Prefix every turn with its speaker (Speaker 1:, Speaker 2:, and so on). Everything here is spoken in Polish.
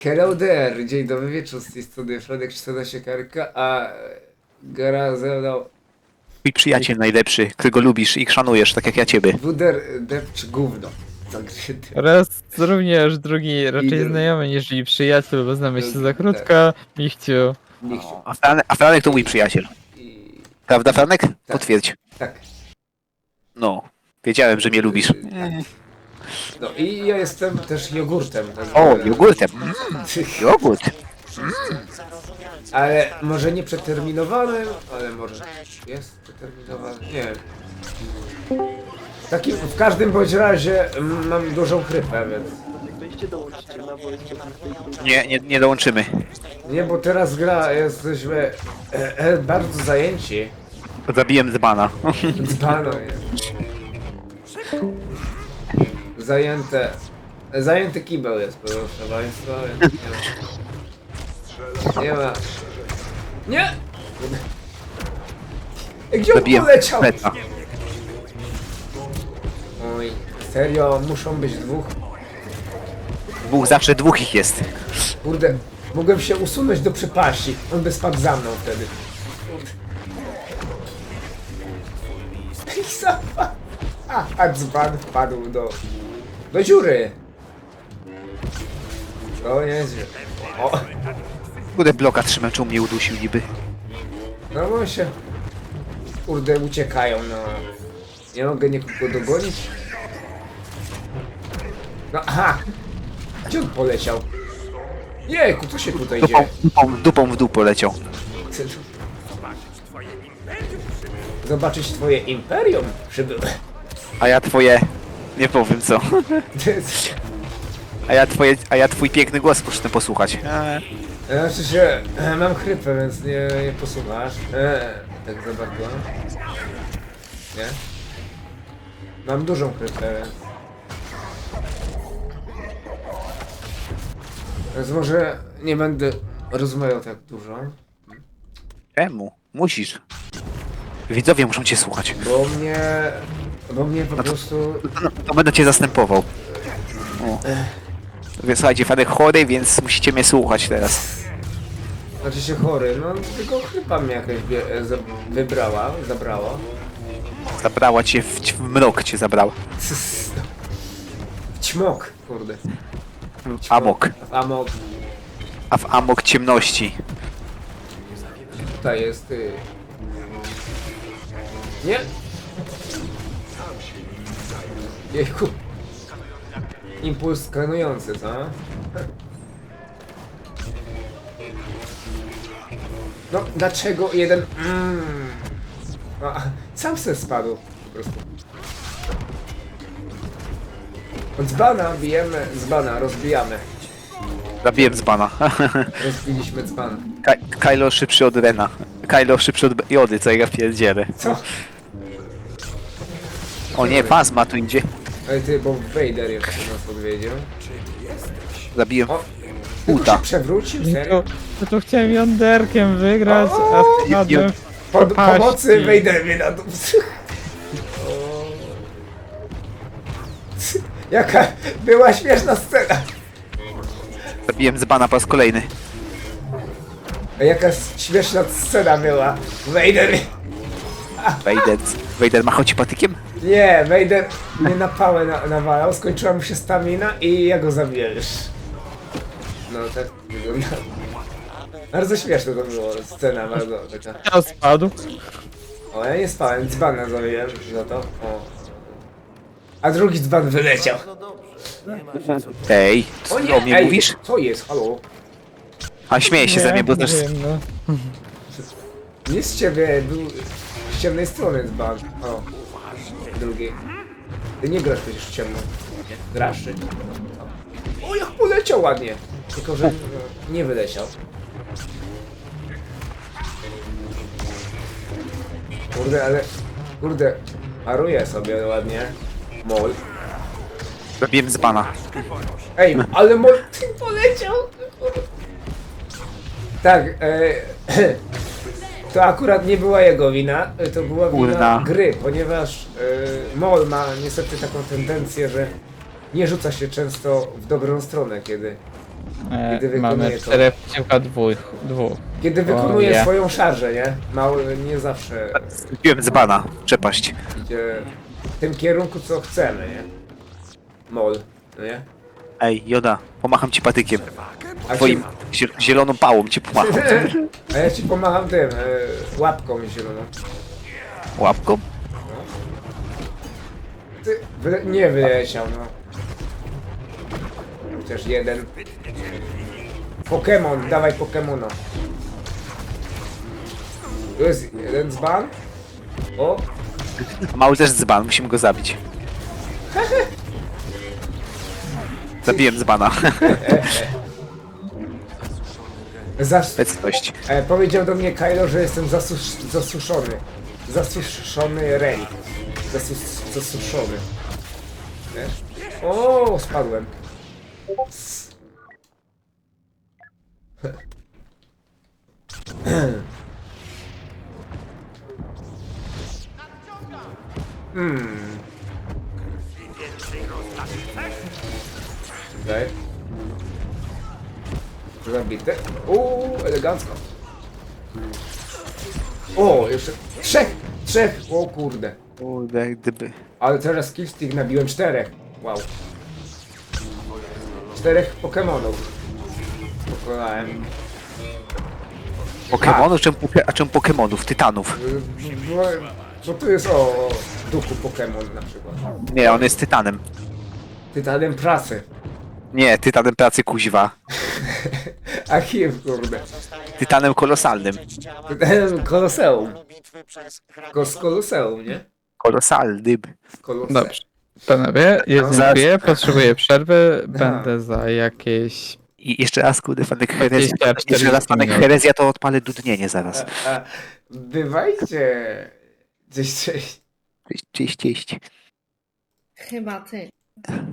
Speaker 1: Hello there, dzień dobry wieczór, z tej strony Fredek Czterna Siekarka, a gra ze mną
Speaker 2: Twój przyjaciel najlepszy, którego lubisz i szanujesz, tak jak ja ciebie.
Speaker 1: Wuder Depcz Gówno. Zagryty.
Speaker 3: Oraz również drugi, raczej
Speaker 1: drugi.
Speaker 3: znajomy niż i przyjaciel, bo znamy się
Speaker 1: Drugi,
Speaker 3: za krótko, Michciu.
Speaker 1: Michciu.
Speaker 2: A Franek to mój przyjaciel.
Speaker 1: I...
Speaker 2: Prawda, Franek? Potwierdź.
Speaker 1: Tak.
Speaker 2: No, wiedziałem, że mnie lubisz.
Speaker 1: No i ja jestem też jogurtem.
Speaker 2: O, jogurtem. Jogurt.
Speaker 1: Ale może nie przeterminowanym, ale może jest przeterminowany, nie wiem. Takim, w każdym bądź razie mam dużą chrypę, więc...
Speaker 2: Nie dołączymy.
Speaker 1: Nie, bo teraz gra, jesteśmy bardzo zajęci.
Speaker 2: Zabiłem dzbana.
Speaker 1: Dzbano jest. Zajęty kibel jest, proszę państwa, więc nie ma. Nie! Gdzie on
Speaker 2: Zabiłem
Speaker 1: poleciał?
Speaker 2: Freda.
Speaker 1: Oj, serio, muszą być dwóch?
Speaker 2: Zawsze dwóch ich jest.
Speaker 1: Kurde, mogłem się usunąć do przepaści. On by spadł za mną wtedy. I zapadł. A dzban wpadł do dziury. O nieźle. O,
Speaker 2: Kurde, bloka trzymam, czy mnie udusił niby.
Speaker 1: no bo się... Kurde, uciekają, no. Nie mogę nikogo dogonić. No, aha! Gdzie on poleciał? Jejku, co się tutaj dzieje?
Speaker 2: Dupą w dół poleciał.
Speaker 1: Zobaczyć twoje imperium przybyłe.
Speaker 2: A ja twoje... Nie powiem co. A ja twój piękny głos poszedłem posłuchać.
Speaker 1: Znaczy się, mam chrypę, więc nie posłuchasz. Tak za bardzo. Nie? Mam dużą chrypę, więc może nie będę rozmawiał tak dużo,
Speaker 2: Czemu? Musisz. Widzowie muszą cię słuchać.
Speaker 1: bo mnie po prostu...
Speaker 2: To będę cię zastępował. O. Więc słuchajcie, Franek chory, więc musicie mnie słuchać teraz.
Speaker 1: Znaczy się chory, no tylko chrypa mnie jakaś zabrała.
Speaker 2: Zabrała cię w mrok, cię zabrała.
Speaker 1: Ćmok, kurde.
Speaker 2: W amok.
Speaker 1: W amok.
Speaker 2: A w amok ciemności.
Speaker 1: Tutaj jest... Nie? Jejku. Impuls skanujący, co? No, dlaczego jeden... A, sam se spadł, po prostu. Od dzbana bijemy, dzbana rozbijamy.
Speaker 2: Zabiłem dzbana.
Speaker 1: Rozbiliśmy dzban.
Speaker 2: Kylo szybszy od Rena. Kylo szybszy od Jody, co ja pierdzielę.
Speaker 1: Co?
Speaker 2: O nie, Phasma tu idzie.
Speaker 1: Ale ty, bo Vader jeszcze nas odwiedził.
Speaker 2: Zabiłem
Speaker 1: O!
Speaker 2: Uta.
Speaker 1: Się przewrócił? Serio?
Speaker 3: Ja tu chciałem jąderkiem wygrać,
Speaker 1: O,
Speaker 3: a spadłem w paści.
Speaker 1: Pomocy Vader mnie na dół. Jaka była śmieszna scena.
Speaker 2: Zabiłem dzbana po raz kolejny.
Speaker 1: A jaka śmieszna scena była. Vader...
Speaker 2: Vader machał ci patykiem?
Speaker 1: Nie, Vader mnie na pałę nawalał, skończyła mu się stamina i ja go zabiję już. No tak wygląda. Bardzo śmieszne to było, scena bardzo taka.
Speaker 3: Ja spadł.
Speaker 1: O, ja nie spałem, dzbana zabiłem za to. O. A drugi dzban wyleciał.
Speaker 2: Ej, co
Speaker 1: O
Speaker 2: ty
Speaker 1: nie,
Speaker 2: o mnie
Speaker 1: ej,
Speaker 2: mówisz?
Speaker 1: co jest, halo?
Speaker 2: A śmieję się ze mnie, bo też...
Speaker 3: wiem, no.
Speaker 1: Nie z ciebie, był z ciemnej strony dzban. O, drugi. Ty nie grasz przecież w ciemno. Grasz. O, jak poleciał ładnie. Tylko, że nie wyleciał. Kurde, ale... Kurde, paruje sobie ładnie. Mol.
Speaker 2: Zabiłem dzbana.
Speaker 1: Ej, ale mol... Ty poleciał! Tak, to akurat nie była jego wina, to była wina
Speaker 2: Kurna.
Speaker 1: gry, ponieważ Mol ma niestety taką tendencję, że nie rzuca się często w dobrą stronę, kiedy Kiedy
Speaker 3: Mamy
Speaker 1: wykonuje to.
Speaker 3: 4 przeciwko 2.
Speaker 1: Kiedy wykonuje
Speaker 3: nie.
Speaker 1: swoją szarżę, nie? Mały nie zawsze
Speaker 2: Zbiłem z bana, przepaść.
Speaker 1: idzie w tym kierunku, co chcemy, nie? Mol, no nie?
Speaker 2: Ej, Joda, pomacham ci patykiem.
Speaker 1: A,
Speaker 2: Twoim zieloną pałą ci pomacham.
Speaker 1: a ja ci pomagam tym, łapką zieloną.
Speaker 2: Łapką?
Speaker 1: Ty, nie wyleciał, no. Chociaż jeden. Pokémon, dawaj Pokémona. Tu jest jeden dzban. O,
Speaker 2: Mały też dzban, musimy go zabić. Zabiłem dzbana. Obecność.
Speaker 1: Powiedział do mnie Kylo, że jestem zasuszony. Zasuszony relikt. Zasuszony. Wiesz? O, spadłem. Czekaj. Zabity. Elegancko. O, jeszcze trzech, o kurde.
Speaker 2: Kurde, gdyby.
Speaker 1: Ale teraz killstick nabiłem 4. Wow. 4 Pokemonów. Pokonałem.
Speaker 2: Pokemonów? A czemu Pokemonów? Tytanów?
Speaker 1: Bo tu jest o duchu Pokemon na przykład.
Speaker 2: Nie, on jest Tytanem.
Speaker 1: Tytanem prasy.
Speaker 2: Nie, Tytanem pracy kuźwa.
Speaker 1: A kim, kurde?
Speaker 2: Tytanem kolosalnym.
Speaker 1: Tytanem Koloseum. Z Koloseum, nie?
Speaker 2: Kolosalnym.
Speaker 1: Koloseum.
Speaker 3: Dobrze. Panowie, ja
Speaker 2: Zaraz.
Speaker 3: dziękuję, potrzebuję przerwy, będę za jakieś...
Speaker 2: I jeszcze raz, kurde, fanek herezja.
Speaker 3: 20-40
Speaker 2: Jeszcze raz fanek
Speaker 3: minut.
Speaker 2: herezja, to odpalę dudnienie zaraz.
Speaker 1: Bywajcie. Cześć.
Speaker 2: Cześć.
Speaker 4: Chyba ty.